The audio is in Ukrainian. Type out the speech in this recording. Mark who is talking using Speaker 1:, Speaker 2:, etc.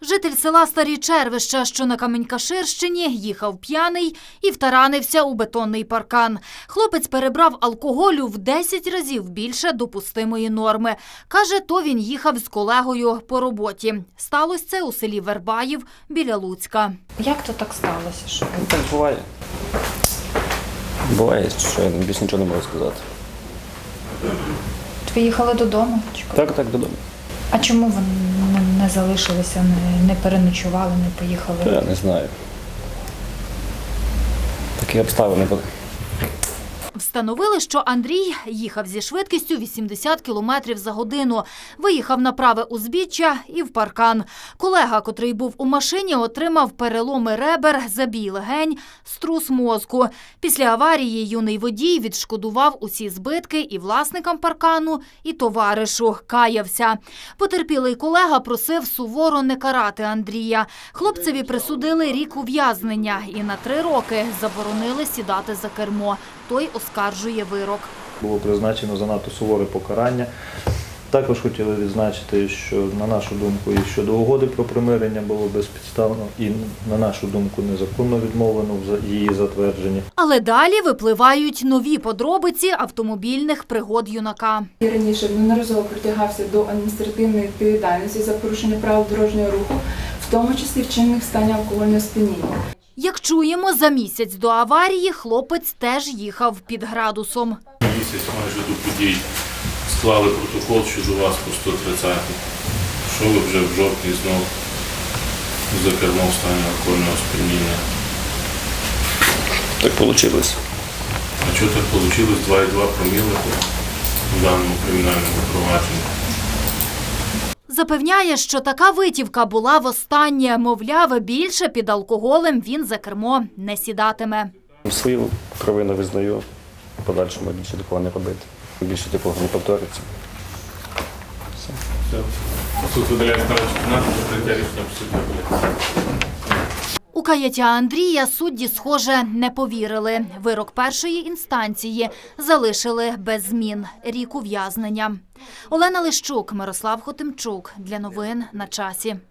Speaker 1: Житель села Старі Червища, що на Камінь-Каширщині, їхав п'яний і втаранився у бетонний паркан. Хлопець перебрав алкоголю в 10 разів більше допустимої норми. Каже, то він їхав з колегою по роботі. Сталося це у селі Вербаїв біля Луцька.
Speaker 2: Як то так сталося? Що?
Speaker 3: Так буває. Буває, що я більше нічого не можу сказати.
Speaker 2: Ви їхали додому?
Speaker 3: Так, додому.
Speaker 2: А чому ви не залишилися, не переночували, не поїхали?
Speaker 3: Я не знаю. Такі обставини були.
Speaker 1: Встановили, що Андрій їхав зі швидкістю 80 км за годину. Виїхав на праве узбіччя і в паркан. Колега, котрий був у машині, отримав переломи ребер, забій легень, струс мозку. Після аварії юний водій відшкодував усі збитки і власникам паркану, і товаришу. Каявся. Потерпілий колега просив суворо не карати Андрія. Хлопцеві присудили рік ув'язнення і на 3 роки заборонили сідати за кермо. Той оскаржує вирок.
Speaker 4: Було призначено занадто суворе покарання. Також хотіли відзначити, що, на нашу думку, і щодо угоди про примирення було безпідставно і, на нашу думку, незаконно відмовлено в її затвердженні.
Speaker 1: Але далі випливають нові подробиці автомобільних пригод юнака.
Speaker 5: І раніше неодноразово притягався до адміністративної відповідальності за порушення правил дорожнього руху, в тому числі вчинених в стані алкогольного сп'яніння.
Speaker 1: Як чуємо, за місяць до аварії хлопець теж їхав під градусом.
Speaker 6: Місяць майже до подій склали протокол щодо вас по 130. Що ви вже в жовтні знов за кермом в стані алкогольного сп'яніння?
Speaker 3: Так вийшло.
Speaker 6: А чого так вийшло? 2,2 проміли в даному кримінальному провадженні.
Speaker 1: Запевняє, що така витівка була востаннє. Мовляв, більше під алкоголем він за кермо не сідатиме.
Speaker 3: Свою провину визнаю, в подальшому більше такого не робити. Більше такого не повториться.
Speaker 6: Все. Суд видаляє справу 14, закриття рішення судді.
Speaker 1: У каяття Андрія судді, схоже, не повірили. Вирок першої інстанції залишили без змін – рік ув'язнення. Олена Лищук, Мирослав Хотимчук. Для новин на часі.